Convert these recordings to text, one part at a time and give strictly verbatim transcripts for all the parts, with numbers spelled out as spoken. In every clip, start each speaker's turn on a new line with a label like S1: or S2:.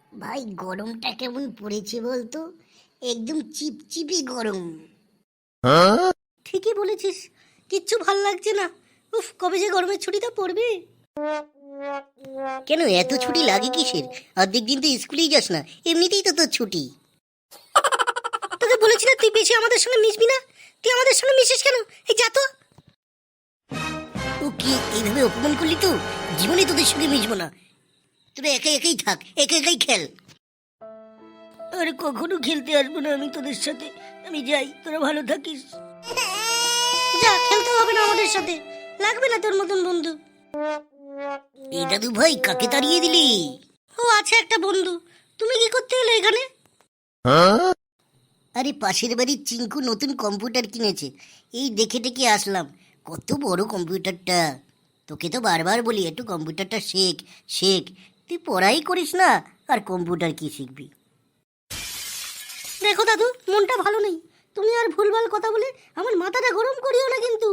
S1: ভাই গরমটা কেমন পড়েছে বলতো, একদম চিপচিপি গরম।
S2: ঠিকই বলেছিস, কিচ্ছু ভাল লাগছে না। উফ, কবে যে গরমের ছুটিটা পড়বে।
S1: কেন এত ছুটি লাগে কিসের? অর্ধেক দিন তো স্কুলেই যাস না, এমনিতেই তো তোর ছুটি।
S2: তোকে বলেছি না তুই বেশি আমাদের সঙ্গে মিশবি না। তুই আমাদের সঙ্গে মিশিস কেন? এই যা তো।
S1: ও কি এইভাবে অপমান করলি তো? জীবনে তোদের সঙ্গে মিশবো না, তোরা একাই একাই থাক, একা একাই খেল।
S2: আরে কখনো খেলতে আসবো না আমি তোদের সাথে। আমি যাই, তোরা ভালো থাকিস। যা, খেলতে হবে না আমাদের সাথে, লাগবে না তোর মতন বন্ধু।
S1: এই দাদু ভাই কাকে তাড়িয়ে দিলি?
S2: ও আছে একটা বন্ধু। তুমি কি করতে এলে এখানে?
S1: আরে পাশের বাড়ির চিঙ্কু নতুন কম্পিউটার কিনেছে, এই দেখে টেকে আসলাম। কত বড় কম্পিউটারটা! তোকে তো বারবার বলি একটু কম্পিউটারটা শেখ শেখ, তুই পড়াই করিস না, আর কম্পিউটার কি শিখবি?
S2: দেখো দাদু, মনটা ভালো নেই। তুমি আর ভুলভাল কথা বলে আমার মাথাটা গরম করিও না কিন্তু।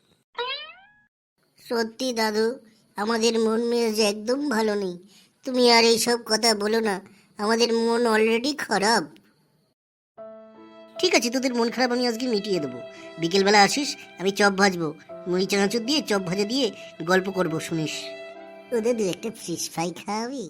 S1: সত্যি দাদু, আমাদের মন মেজাজ একদম ভালো নেই। তুমি আর এইসব কথা বলো না, আমাদের মন অলরেডি খারাপ। ঠিক আছে, তোদের মন খারাপ আমি আজকে মিটিয়ে দেবো। বিকেলবেলা আসিস, আমি চপ ভাজবো, মুড়ি চানাচুর দিয়ে চপ ভাজা দিয়ে গল্প করবো, শুনিস। ওদের দু একটা ফিশ ফ্রাই খাওয়াবি?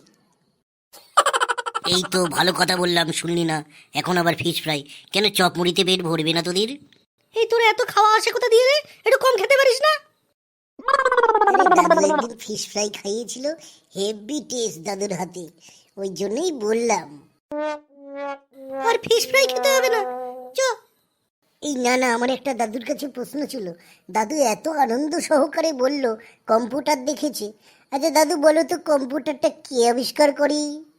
S1: এই তো ভালো কথা বললাম, শুনলি না? এখন আবার ফিশ ফ্রাই? কেন, চপ মুড়িতে পেট ভরবে না তোদের?
S2: এই তোর এত খাওয়া আসে কোথা দিয়ে রে? একটু কম খেতে পারিস না?
S1: দাদু একদিন ফিশ ফ্রাই খাইয়েছিল, হেভি টেস্ট দাদুর হাতে, ওই জন্যই বললাম।
S2: আর ফিশ ফ্রাই খেতে হবে না, চ।
S1: এই না না, আমার একটা দাদুর কাছে প্রশ্ন ছিল। দাদু এত আনন্দ সহকারে বলল কম্পিউটার দেখেছে। আচ্ছা দাদু বলো তো, কম্পিউটারটা কে আবিষ্কার করি?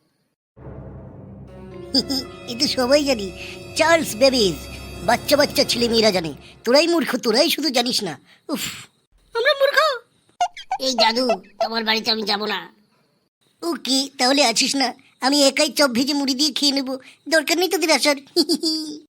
S1: এ তো সবাই জানি, চার্লস বেবেজ। বাচ্চা বাচ্চা ছেলে মেয়েরা জানে, তোরাই মূর্খ, তোরাই শুধু জানিস না। উফ,
S2: আমরা মূর্খ?
S1: এই দাদু, তোমার বাড়িতে আমি যাব না। ওকে, তাহলে আছিস না, আমি একাই চপ ভেজে মুড়ি দিয়ে খেয়ে নেবো, দরকার নেই তোদের আসার।